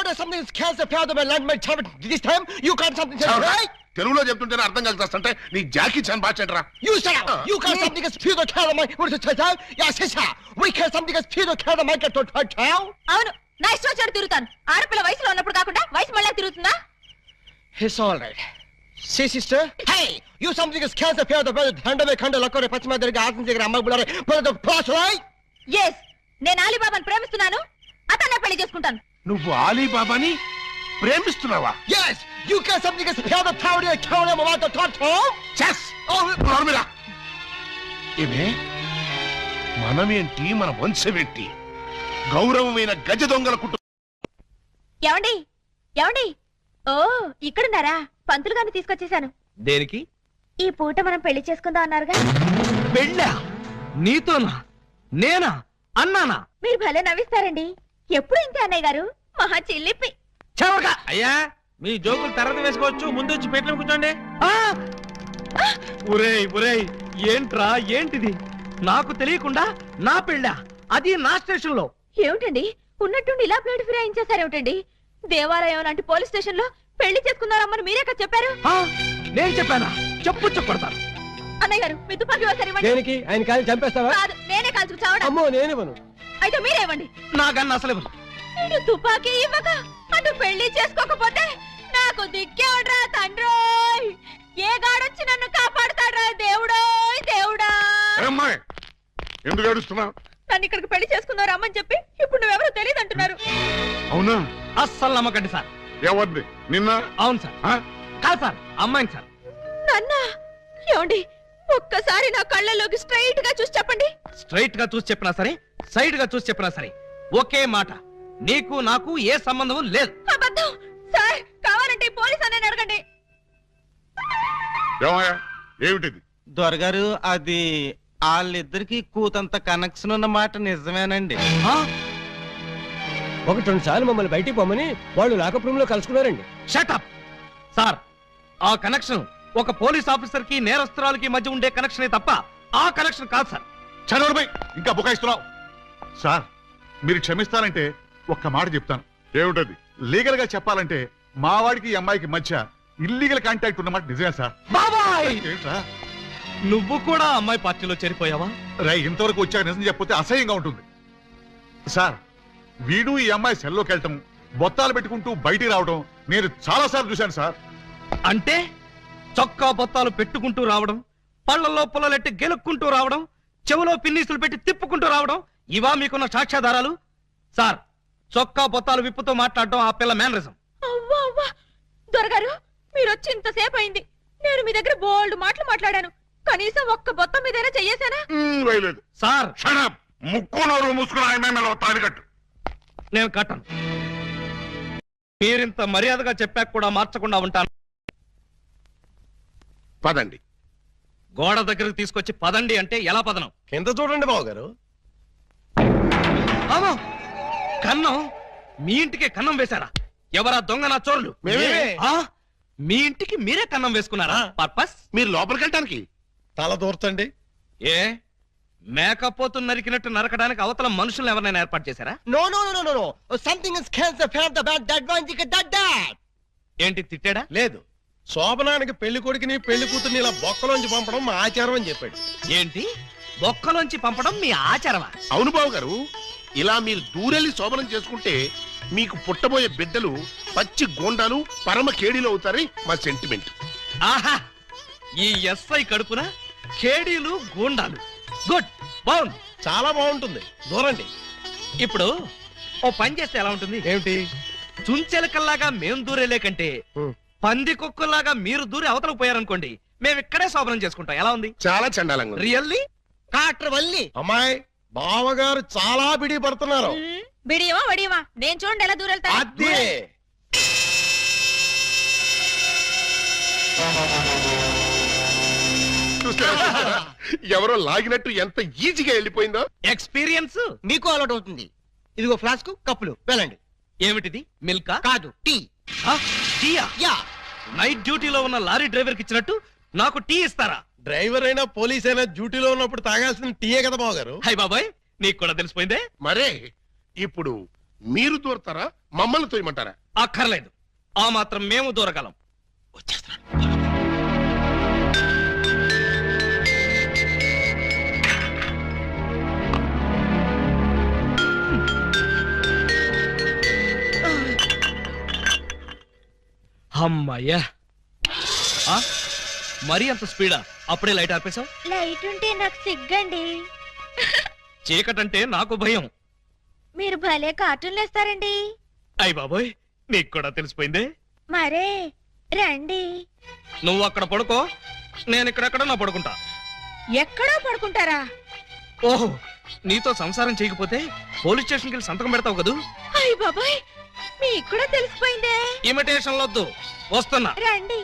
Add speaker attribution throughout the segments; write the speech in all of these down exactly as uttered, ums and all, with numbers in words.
Speaker 1: order something is cancer fair the land my child this time you can't something right
Speaker 2: తెలుగులో చెప్తుంటేనే అర్థం కలుగుతాంటే నీ జాకీ చాన్ బాచెంట్రా
Speaker 1: you shut up you can't something is fear the child my what is it yeah sister we can't something is fear the child my get to child
Speaker 3: అవును నా ఇష్టం వచ్చాడు తిరుగుతాను ఆడపిల్ల వయసులో ఉన్నప్పుడు కాకుండా వయసు మళ్ళీ తిరుగుతుందా
Speaker 1: it's all right see sister hey you something is cancer fair the hand me కండ లక్కరే పచ్చిమ దగ్గర ఆసం దగ్గర అమ్మ బులారే but the plus right
Speaker 3: yes నేను అలీబాబాని ప్రేమిస్తున్నాను అతన్నే పెళ్లి చేసుకుంటాను
Speaker 2: నువ్వు అలీబాబాని ప్రేమిస్తున్నావా
Speaker 1: yes you can something is fair the tower the tower my the total
Speaker 2: చెస్
Speaker 1: oh
Speaker 2: నర్మిలా ఇవే మనమేంటి మన వంశమేంటి గౌరవమైన గజ దొంగల కుటుంబం
Speaker 3: ఏమండి ఏమండి ఓ ఇక్కడున్నారా పంతులు గారిని తీసుకొచ్చేసాను
Speaker 4: దేనికి
Speaker 3: ఈ పూట మనం పెళ్లి చేసుకుందాం అన్నారుగా
Speaker 4: పెళ్ళా నీతోనా నేనా అన్నానా
Speaker 3: మీరు భలే నవ్విస్తారండి ఎప్పుడు ఇంతే అన్నయ్య గారు మహా చిల్లిపి
Speaker 4: చవక అయ్యా మీ జోకులు తర్వాత వేసుకోవచ్చు ముందు వచ్చి పెట్లు కూర్చోండి ఒరేయ్ ఒరేయ్ ఏంట్రా ఏంటిది నాకు తెలియకుండా నా పెళ్ళా అది నా స్టేషన్ లో
Speaker 3: ఏమిటండి ఉన్నట్టుండి ఇలా ప్లేట్ ఫిరాయించేసారేమిటండి దేవాలయం లాంటి పోలీస్ స్టేషన్ లో పెళ్లి చేసుకున్నారమ్మని మీరే కదా చెప్పారు
Speaker 4: నేను చెప్పానా చెప్పు చెప్పడతాను
Speaker 3: అన్నయ్య గారు మీ తుపాకీ ఒకసారి ఇవ్వండి
Speaker 1: దేనికి ఆయన కాలి చంపేస్తావా
Speaker 3: కాదు నేనే కాల్చుకు చావడం
Speaker 1: అమ్మో నేనేవను
Speaker 3: అయితే మీరే ఇవ్వండి
Speaker 4: నాకన్నా అసలు ఇవ్వను.
Speaker 3: నేను తుపాకీ ఇవ్వక అటు పెళ్లి చేసుకోకపోతే నాకు దిక్కే ఉండరా తండ్రోయ్ ఏ గాడొచ్చి నన్ను కాపాడుతాడ్రా దేవుడోయ్ దేవుడా
Speaker 2: అమ్మాయి ఎందుకు ఏడుస్తున్నావు
Speaker 3: నన్ను ఇక్కడికి పెళ్లి చేసుకున్నారు అమ్మని చెప్పి ఇప్పుడు నువ్వెవరో తెలియదు అంటున్నారు
Speaker 2: అవునా
Speaker 4: అస్సలు నమ్మకండి సార్
Speaker 2: ఎవరిది నిన్న
Speaker 4: అవును సార్ కాదు సార్ అమ్మాయిని సార్
Speaker 3: నాన్న ఏమండి ఒక్కసారి నా కళ్ళలోకి స్ట్రైట్ గా చూసి చెప్పండి
Speaker 4: స్ట్రైట్ గా చూసి చెప్పినా సరే సైడ్ గా చూసి చెప్పినా సరే ఒకే మాట నీకు నాకు ఏ సంబంధం లేదు
Speaker 3: అబద్ధం సార్ కావాలంటే పోలీస్ అనే అడగండి
Speaker 2: ఏమయ్యా ఏమిటిది
Speaker 5: దొరగారు అది వాళ్ళిద్దరికి కూతంత కనెక్షన్ ఉన్న మాట నిజమేనండి
Speaker 1: ఒకటి రెండు సార్లు మమ్మల్ని బయటికి పోమని వాళ్ళు లాకప్ రూమ్ లో కలుసుకున్నారండి
Speaker 4: షటప్ సార్ ఆ కనెక్షన్ ఒక పోలీస్ ఆఫీసర్ కి నేరస్తురాలకి మధ్య ఉండే కనెక్షనే తప్ప ఆ కనెక్షన్ కాదు సార్
Speaker 2: చదవడమై ఇంకా బుకాయిస్తున్నావు సార్ మీరు క్షమిస్తారంటే ఒక్క మాట చెప్తాను ఏమిటది లీగల్ గా చెప్పాలంటే మా వాడికి ఈ అమ్మాయికి మధ్య ఇల్లీగల్ కాంటాక్ట్ ఉన్నమాట నిజమే సార్
Speaker 4: బాబాయ్
Speaker 2: ఏంట్రా
Speaker 4: నువ్వు కూడా అమ్మాయి పార్టీలో చేరిపోయావా
Speaker 2: రై ఇంతవరకు వచ్చాక నిజం చెప్పితే అసహ్యంగా ఉంటుంది సార్ వీడు ఈ అమ్మాయి సెల్లోకి వెళ్ళటం బొత్తాలు పెట్టుకుంటూ బయటికి రావడం నేను చాలా సార్లు చూశాను సార్
Speaker 4: అంటే చొక్కా బొత్తాలు పెట్టుకుంటూ రావడం పళ్లలో పుల్లలెట్టి గెలుక్కుంటూ రావడం చెవులో పిన్నీసులు పెట్టి తిప్పుకుంటూ రావడం ఇవా మీకున్న సాక్ష్యాధారాలు సార్ చొక్కా బొత్తాలు విప్పుతో మాట్లాడడం ఆ పిల్ల మేనరిజం
Speaker 3: అవ్వా అవ్వా దొరగారు మీరు వచ్చి ఇంతసేపు అయింది నేను మీ దగ్గర బోల్డ్ మాటలు మాట్లాడాను కనీసం ఒక్క బొత్తం మీదైనా చెయ్యేశానా
Speaker 2: వేయలేదు
Speaker 4: సార్
Speaker 2: ముక్కు నోరు మూసుకుని ఆయన తాడి కట్టు
Speaker 4: నేను కట్టను మీరింత మర్యాదగా చెప్పాక కూడా మార్చకుండా ఉంటాను
Speaker 2: పదండి
Speaker 4: గోడ దగ్గరకు తీసుకొచ్చి పదండి అంటే ఎలా పదనం
Speaker 1: కింద చూడండి బాబు గారు
Speaker 4: అవును కన్నం మీ ఇంటికే కన్నం వేశారా ఎవరా దొంగ నా చోరులు ఆ? మీ ఇంటికి మీరే కన్నం వేసుకున్నారా పర్పస్
Speaker 2: మీరు లోపలికి వెళ్ళటానికి
Speaker 1: తల దూర్చండి
Speaker 4: ఏ మేకపోతు నరికినట్టు నరకడానికి అవతల మనుషులను ఎవరైనా ఏర్పాటు చేశారా
Speaker 1: no no no no no something is cancer fan the bad that one thick that that
Speaker 4: ఏంటి తిట్టాడా
Speaker 1: లేదు శోభనానికి పెళ్లి కొడుకుని పెళ్లి కూతుర్ని ఇలా బొక్కలోంచి పంపడం మా ఆచారం అని చెప్పాడు
Speaker 4: ఏంటి బొక్కలోంచి పంపడం మీ ఆచారమా
Speaker 2: అవును బాబు గారు ఇలా మీరు దూరెళ్ళి శోభనం చేసుకుంటే మీకు పుట్టబోయే బిడ్డలు పచ్చి గోండాలు పరమ కేడీలు అవుతారని మా సెంటిమెంట్
Speaker 4: ఆహా ఈ ఎస్ఐ కడుపున కేడీలు గూండాలు గుడ్ బాగుంది
Speaker 1: చాలా బాగుంటుంది దూరండి
Speaker 4: ఇప్పుడు ఓ పని చేస్తే ఎలా ఉంటుంది
Speaker 1: ఏమిటి
Speaker 4: చుంచెలకల్లాగా మేం దూరేలే కంటే పంది కుక్కల్లాగా మీరు దూరి అవతలకు పోయారనుకోండి మేము ఇక్కడే శోభనం చేసుకుంటాం ఎలా ఉంది
Speaker 2: చాలా చండాలంగా ఉంది.
Speaker 4: రియల్లీ
Speaker 1: కాట్ర వల్లి అమ్మాయి బావగారు చాలా బిడి పడుతున్నారు
Speaker 3: బిడియమా వడియమా నేను చూడండి ఎలా దూరెళ్తా
Speaker 1: అదే
Speaker 2: చూసారా? ఎవరో లాగినట్టు ఎంత ఈజీగా వెళ్ళిపోయిందో.
Speaker 4: ఎక్స్పీరియన్స్
Speaker 1: మీకు అలవాటు అవుతుంది. ఇదిగో ఫ్లాస్క్ కప్పులు వెళ్ళండి.
Speaker 4: ఏమిటిది మిల్కా
Speaker 1: కాదు టీ.
Speaker 4: టీయా?
Speaker 1: యా.
Speaker 4: నైట్ డ్యూటీలో ఉన్న లారీ డ్రైవర్ కి ఇచ్చినట్టు నాకు టీ ఇస్తారా?
Speaker 1: డ్రైవర్ అయినా పోలీస్ అయినా డ్యూటీలో ఉన్నప్పుడు తాగాల్సిన టీయే కదా బావగారు.
Speaker 4: హై బాబాయ్ నీకు కూడా తెలిసిపోయిందే.
Speaker 2: మరే ఇప్పుడు
Speaker 6: మీరు దూరతారా మమ్మల్ని తోయమంటారా?
Speaker 4: అక్కర్లేదు, ఆ మాత్రం మేము దూరగలం. వచ్చేస్తున్నాడు. అమ్మయ్యా, ఆ? మరీ అంత స్పీడా? అప్పుడే లైట్ ఆపేశావు?
Speaker 3: లైట్ ఉంటే నాకు సిగ్గండి.
Speaker 4: చీకటంటే నాకు భయం.
Speaker 3: మీరు భలే కార్టూన్లు వేస్తారండి.
Speaker 4: అయ్ బాబోయ్, నీకు కూడా తెలిసిపోయిందే.
Speaker 3: మరే రండి.
Speaker 4: నువ్వు అక్కడ పడుకో, నేను ఇక్కడెక్కడ నా పడుకుంటా.
Speaker 3: ఎక్కడో పడుకుంటారా?
Speaker 4: ఓహో, నీతో సంసారం చేయకపోతే పోలీస్ స్టేషన్కి వెళ్ళి సంతకం పెడతావు కదూ.
Speaker 3: అయ్య బాబాయ్, మీకు కూడా తెలిసిపోయిందే.
Speaker 4: ఇమిటేషన్ వద్దు, వస్తున్నా.
Speaker 3: రండి.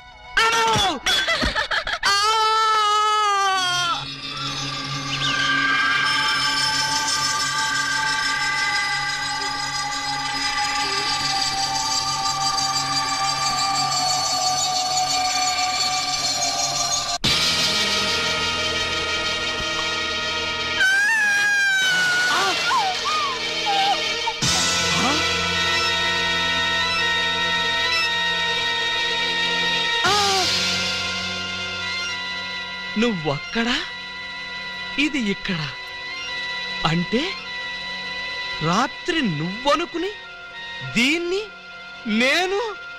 Speaker 4: నువ్వక్కడ, ఇది ఇక్కడ. అంటే రాత్రి నువ్వనుకుని దీన్ని నేను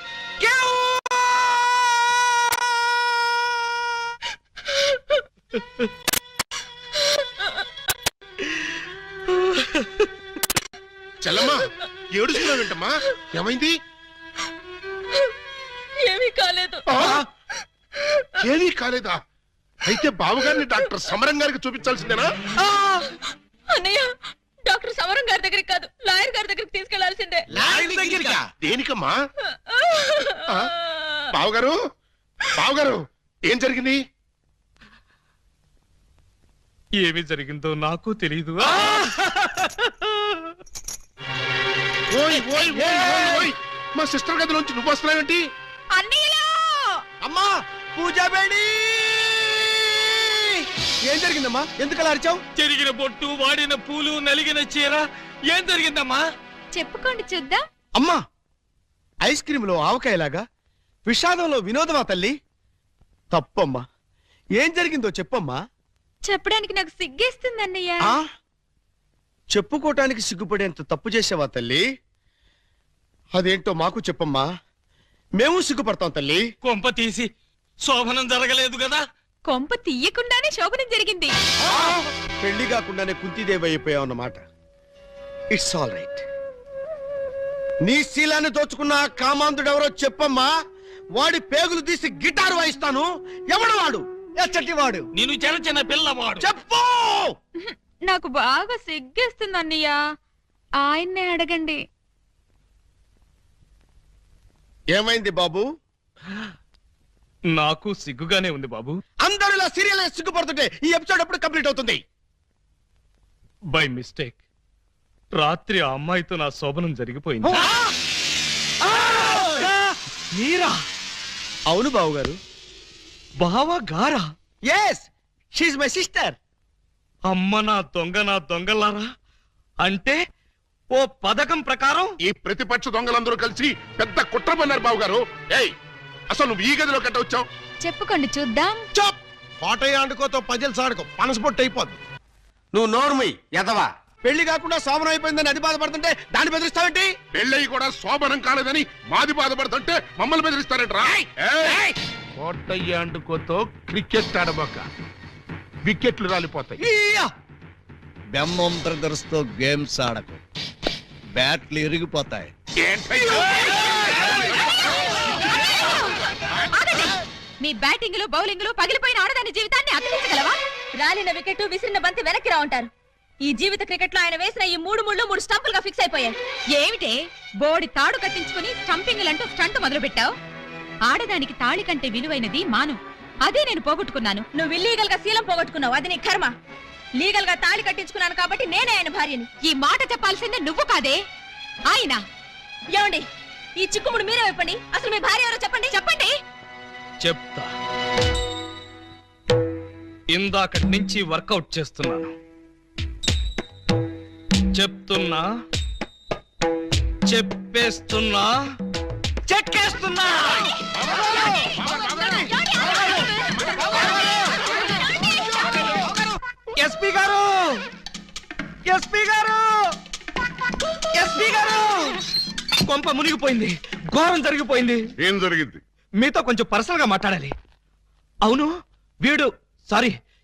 Speaker 6: చెల్లమ్మా, ఏడుస్తున్నావు ఏంటమ్మా? ఏమైంది?
Speaker 3: ఏమీ కాలేదు.
Speaker 6: ఏమీ కాలేదా? అయితే బావగారిని డాక్టర్ సమరం గారికి చూపించాల్సిందేనా?
Speaker 3: అన్నయ్య, డాక్టర్ సమరం గారి దగ్గరికి కాదు, లాయర్ గారి దగ్గరికి తీసుకెళ్లాల్సిందే.
Speaker 6: దేనికమ్మా? బావగారు, బావగారు, ఏం జరిగింది?
Speaker 4: ఏమి జరిగిందో నాకు తెలీదు.
Speaker 6: ఓయ్ ఓయ్ ఓయ్ ఓయ్ ఓయ్, మా సిస్టర్ గదిలోంచి నువ్వు వస్తున్నావేంటి?
Speaker 3: అన్నయ్యలో
Speaker 1: అమ్మా, పూజ బేడి! ఏం జరిగిందమ్మా? ఎందుకలా అరిచావు?
Speaker 4: చెరిగిన బొట్టు, వాడిన పూలు, నలిగిన చీర. ఏం జరిగిందమ్మా?
Speaker 3: చెప్పుకోండి చూద్దాం.
Speaker 1: అమ్మా, ఐస్ క్రీమ్ లో ఆవకాయలాగా విషాదంలో వినోదమా తల్లి? తప్పమ్మా, ఏం జరిగిందో చెప్పమ్మా.
Speaker 3: చెప్పడానికి నాకు సిగ్గేస్తుంది అన్నయ్య.
Speaker 1: ఆ చెప్పుకోటానికి సిగ్గుపడేంత తప్పు చేసావా తల్లి? అదేంటో మాకు చెప్పమ్మా, మేము సిగ్గుపడతాం తల్లి.
Speaker 4: కొంప తీసి శోభనం జరగలేదు కదా?
Speaker 3: కొంప తీయకుండానే శోభనం జరిగింది.
Speaker 1: పెళ్లి కాకుండానే కుంతిదేవి అయిపోయావు అన్నమాట. It's all right. నీ శీలాన్ని దోచుకున్న ఆ కామాంధుడెవరో చెప్పమ్మా. వాడి పేగులు తీసి గిటారు వాయిస్తాను. ఎవడు వాడు? ఎచ్చటి వాడు?
Speaker 4: నేను చిన్న చిన్న పిల్లవాడు.
Speaker 1: చెప్పు.
Speaker 3: నాకు బాగా సిగ్గేస్తుంది అన్నయ్య, ఆయన్నే అడగండి.
Speaker 1: ఏమైంది బాబు?
Speaker 4: నాకు సిగ్గుగానే ఉంది బాబు.
Speaker 1: అందరూ ఇలా సీరియల్ సిగ్గుపడుతుంటే ఈ ఎపిసోడ్ ఎప్పుడు కంప్లీట్ అవుతుంది?
Speaker 4: బై మిస్టేక్ రాత్రి ఆ అమ్మాయితో నా శోభనం జరిగిపోయింది. మీరా?
Speaker 1: అవును బాబు గారు.
Speaker 4: బావా గారా?
Speaker 1: Yes, she's my sister.
Speaker 4: అమ్మ నా దొంగ, నా దొంగలారా. అంటే ఓ పథకం ప్రకారం
Speaker 6: ఈ ప్రతిపక్ష దొంగలందరూ కలిసి పెద్ద కుట్ర పన్నారు బావగారు. ఏయ్, అసలు నువ్వు ఈ గదిలో కట్ట వచ్చావు?
Speaker 3: చెప్పుకోండి చూద్దాం.
Speaker 1: చాప్! కోటయ్య ఆడుకోతో పజల్స్ ఆడుకో, పనసపొట్టు అయిపోద్ది. నువ్వు నోర్మి ఎదవా. పెళ్లి కాకుండా శోభనం అయిపోయిందని అది బాధపడుతుంటే దాన్ని బెదిరిస్తావేంటి?
Speaker 6: పెళ్ళయి కూడా శోభనం కాలేదని మాది బాధపడుతుంటే మమ్మల్ని బెదిరిస్తారంటరా? కోటయ్య ఆడుకోతో క్రికెట్ ఆడబోక, వికెట్లు రాలిపోతాయి.
Speaker 1: ఈయ్యా!
Speaker 7: బెమ్మం బ్రదర్స్ తో గేమ్స్ ఆడకు, బ్యాట్లు ఇరిగిపోతాయి.
Speaker 6: ఏంటయ్యా?
Speaker 3: మీ బ్యాటింగ్ లో బౌలింగ్ లో పగిలిపోయిన ఆడదాని జీవితాన్ని అతికించగలవా? రాలిన వికెట్, విసిరిన బంతి వెనక్కి రా ఉంటారు. ఈ జీవిత క్రికెట్ లో ఆయన వేసిన ఈ మూడు ముళ్ళు మూడు స్టంపులుగా ఫిక్స్ అయిపోయాయి. ఏమిటే బోడి తాడు కట్టించుకుని స్టంపింగ్ అంటూ స్టంట్ మొదలు పెట్టావు? ఆడదానికి తాళి కంటే విలువైనది మాను. అదే నేను పోగొట్టుకున్నాను. నువ్వు ఇల్లీగల్ గా శీలం పోగొట్టుకున్నావు, అది నీ కర్మ. లీగల్ గా తాళి కట్టించుకున్నాను కాబట్టి నేనే ఆయన భార్యని. ఈ మాట చెప్పాల్సిందే నువ్వు కాదే ఆయన. ఏమండి, ఈ చిక్కుముడు మీరే చెప్పండి. అసలు మీ భార్య ఎవరో చెప్పండి. చెప్పండి.
Speaker 4: చెప్తా. ఇందాకటి నుంచి వర్కౌట్ చేస్తున్నాను. చెప్తున్నా, చెప్పేస్తున్నా చెక్కేస్తున్నా ఎస్పీ గారు ఎస్పీ గారు ఎస్పీ గారు కొంప మునిగిపోయింది, ఘోరం జరిగిపోయింది.
Speaker 6: ఏం జరిగింది?
Speaker 4: మీతో కొంచెం పర్సనల్ గా మాట్లాడాలి. అవును, వీడు సారీ